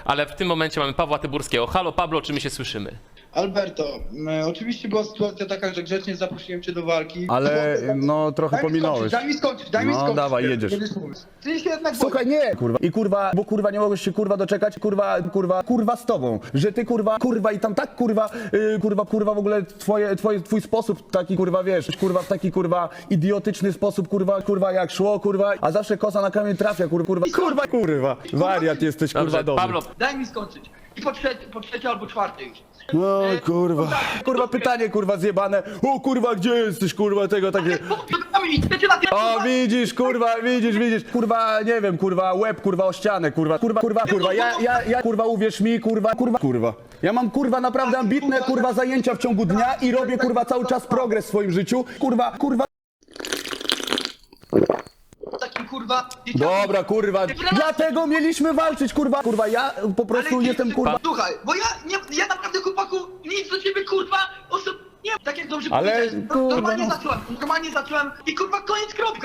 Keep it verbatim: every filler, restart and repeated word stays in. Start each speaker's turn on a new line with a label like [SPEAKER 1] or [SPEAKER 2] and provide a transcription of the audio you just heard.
[SPEAKER 1] ale w tym momencie mamy Pawła Tyburskiego. Halo Pablo, czy my się słyszymy?
[SPEAKER 2] Alberto, m, oczywiście była sytuacja taka, że grzecznie zaprosiłem cię do walki.
[SPEAKER 3] Ale
[SPEAKER 2] Chłopie,
[SPEAKER 3] no trochę
[SPEAKER 2] daj mi
[SPEAKER 3] pominąłeś.
[SPEAKER 2] skończyć, Daj mi skończyć, daj mi
[SPEAKER 3] No,
[SPEAKER 2] skończyć.
[SPEAKER 3] dawaj, jedziesz.
[SPEAKER 2] Będziesz mówić. Ty się jednak
[SPEAKER 3] Słuchaj, nie, kurwa. I kurwa, bo kurwa nie mogłeś się kurwa doczekać, kurwa, kurwa, kurwa z tobą. Że ty kurwa, kurwa i tam tak kurwa, yy, kurwa, kurwa w ogóle twoje, twoje, twój sposób taki kurwa, wiesz, kurwa w taki kurwa idiotyczny sposób, kurwa, kurwa jak szło, kurwa, a zawsze kosa na kamień trafia, kurwa, kurwa, kurwa, kurwa. Wariat jesteś, kurwa,
[SPEAKER 1] Dobrze,
[SPEAKER 3] dobry.
[SPEAKER 1] Pablo,
[SPEAKER 2] Daj mi skończyć. I po trzecie, po trzecie albo czwarte już.
[SPEAKER 3] No kurwa. Kurwa pytanie kurwa zjebane. O kurwa gdzie jesteś kurwa tego takie.
[SPEAKER 2] I chcecie na tym...
[SPEAKER 3] O widzisz kurwa, widzisz, widzisz. Kurwa nie wiem kurwa łeb kurwa o ścianę kurwa. Kurwa kurwa kurwa. Ja ja ja kurwa uwierz mi kurwa kurwa kurwa. Ja mam kurwa naprawdę ambitne kurwa zajęcia w ciągu dnia i robię kurwa cały czas progres w swoim życiu. Kurwa kurwa.
[SPEAKER 2] Taki kurwa...
[SPEAKER 3] Dobra kurwa. Dlatego mieliśmy walczyć kurwa. Kurwa ja po prostu
[SPEAKER 2] Ale-
[SPEAKER 3] jestem kurwa.
[SPEAKER 2] Słuchaj, bo ja, nie, ja naprawdę chłopaku nic do ciebie kurwa osob... Nie, tak jak dobrze
[SPEAKER 3] Ale,
[SPEAKER 2] powiedziałeś, no,
[SPEAKER 3] kurwa,
[SPEAKER 2] normalnie
[SPEAKER 3] no.
[SPEAKER 2] zacząłem, normalnie zacząłem i kurwa koniec kropka.